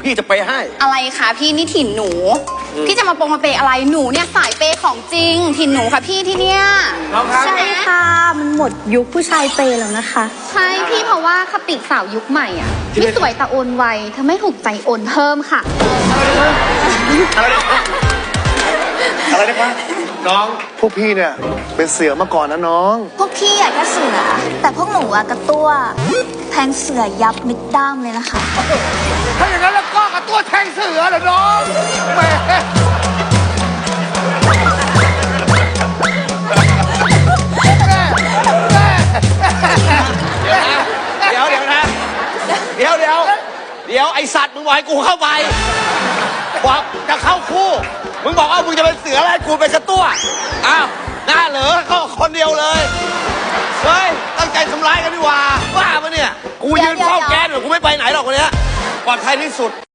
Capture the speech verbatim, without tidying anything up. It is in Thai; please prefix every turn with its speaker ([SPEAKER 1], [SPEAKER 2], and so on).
[SPEAKER 1] พี่จะไปให้
[SPEAKER 2] อะไรคะพี่นี่ถิ่นหนูพี่จะมาปงมาเปอะไรหนูเนี่ยสายเปของจริงถิ่นหนูค่ะพี่ที่เนี่ย
[SPEAKER 3] ใช่ค่ะมันหมดยุคผู้ชายเปย์แล้วนะคะ
[SPEAKER 2] ใช่พี่เพราะว่าคติสาวยุคใหม่อ่ะที่สวยแต่โอนไวเธอไม่ถูกใจโอนเพิ่มค่ะ
[SPEAKER 1] อะไรนะอะไรนะคะน้อง
[SPEAKER 4] พวกพี่เนี่ยเป็นเสือมาก่อนนะน้อง
[SPEAKER 3] พวกพี่อะแค่เสือแต่พวกหนูอะกระตัวแทงเสือยับมิดด้ามเลยนะคะ
[SPEAKER 4] ถ้าอย่างนั้นแล้วก็กับตัวแทงเสือเหรอน้องแหม
[SPEAKER 1] เดี๋ยวเดี๋ยวนะเดี๋ยวเดี๋ยวเดี๋ยวไอสัตว์มึงบอกให้กูเข้าไปบอกจะเข้าคู่มึงบอกว่ามึงจะเป็นเสืออะไรกูเป็นกระตั้วอ้าวหน้าเหลือเข้าคนเดียวเลยเฮ้ยตั้งใจทำร้ายกันดีกว่าบ้าปะเนี่ยกูยืนเฝ้าแก๊สอยู่กูไม่ไปไหนหรอกวันนี้ปลอดภัยที่สุด